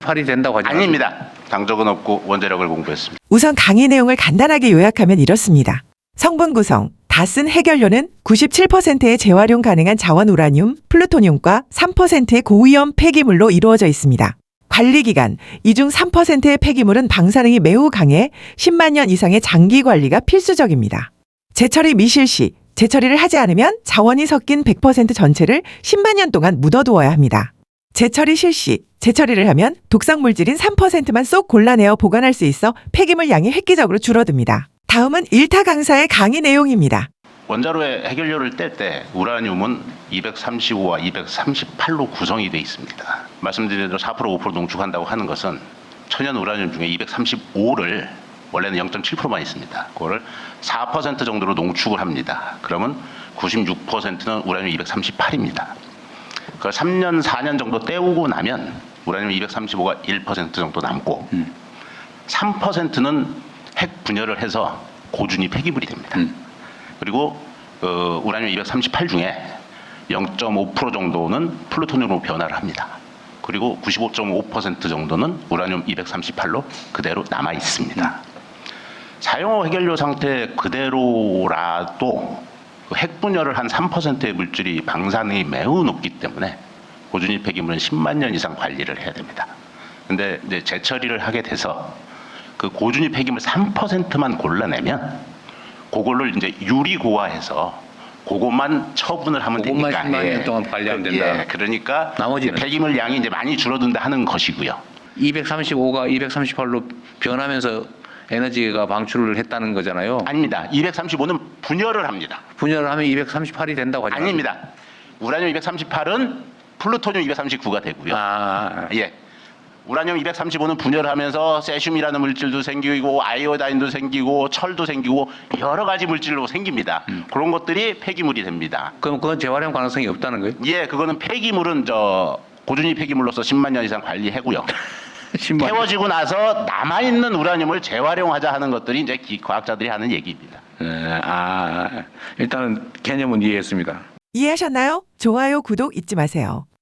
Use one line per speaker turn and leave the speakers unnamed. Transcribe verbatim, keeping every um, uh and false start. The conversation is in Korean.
팔이 된다고 하지
아닙니다. 당적은 없고 원자력을 공부했습니다.
우선 강의 내용을 간단하게 요약하면 이렇습니다. 성분 구성, 다 쓴 해결료는 구십칠 퍼센트의 재활용 가능한 자원 우라늄, 플루토늄과 삼 퍼센트의 고위험 폐기물로 이루어져 있습니다. 관리 기간, 이 중 삼 퍼센트의 폐기물은 방사능이 매우 강해 십만 년 이상의 장기 관리가 필수적입니다. 재처리 미실시, 재처리를 하지 않으면 자원이 섞인 백 퍼센트 전체를 십만 년 동안 묻어두어야 합니다. 재처리 실시, 재처리를 하면 독성 물질인 삼 퍼센트만 쏙 골라내어 보관할 수 있어 폐기물 양이 획기적으로 줄어듭니다. 다음은 일타 강사의 강의 내용입니다.
원자로의 해결료를 뗄 때 우라늄은 이백삼십오와 이백삼십팔로 구성이 되어 있습니다. 말씀드린 대로 사 퍼센트 오 퍼센트 농축한다고 하는 것은 천연 우라늄 중에 이백삼십오를 원래는 영 점 칠 퍼센트만 있습니다. 그거를 사 퍼센트 정도로 농축을 합니다. 그러면 구십육 퍼센트는 우라늄 이백삼십팔입니다. 그걸 삼 년, 사 년 정도 때우고 나면 우라늄 이백삼십오가 일 퍼센트 정도 남고 음. 삼 퍼센트는 핵 분열을 해서 고준위 폐기물이 됩니다. 음. 그리고 어, 우라늄 이백삼십팔 중에 영 점 오 퍼센트 정도는 플루토늄으로 변화를 합니다. 그리고 구십오 점 오 퍼센트 정도는 우라늄 이백삼십팔로 그대로 남아 있습니다. 음. 사용후 해결료 상태 그대로라도 핵 분열을 한 삼 퍼센트의 물질이 방사능이 매우 높기 때문에 고준위 폐기물은 십만 년 이상 관리를 해야 됩니다. 근데 이제 재처리를 하게 돼서 그 고준위 폐기물 삼 퍼센트만 골라내면 그걸로 이제 유리고화해서 그것만 처분을 하면
그것만
되니까
십만 년 동안 관리하면 된다.
예, 그러니까
나머지는?
폐기물 양이 이제 많이 줄어든다 하는 것이고요.
이백삼십오가 이백삼십팔로 변하면서 에너지가 방출을 했다는 거잖아요.
아닙니다. 이백삼십오는 분열을 합니다.
분열을 하면 이백삼십팔이 된다고 하지
아닙니다. 우라늄 이백삼십팔은 플루토늄 이백삼십구가 되고요.
아,
예. 우라늄 이백삼십오는 분열하면서 세슘이라는 물질도 생기고 아이오다인도 생기고 철도 생기고 여러 가지 물질로 생깁니다. 음. 그런 것들이 폐기물이 됩니다.
그럼 그건 재활용 가능성이 없다는 거예요?
예, 그거는 폐기물은 저 고준위 폐기물로서 십만 년 이상 관리하고요.
십만 년.
태워지고 나서 남아있는 우라늄을 재활용하자 하는 것들이 이제 기, 과학자들이 하는 얘기입니다.
네, 아, 일단은 개념은 이해했습니다.
이해하셨나요? 좋아요, 구독 잊지 마세요.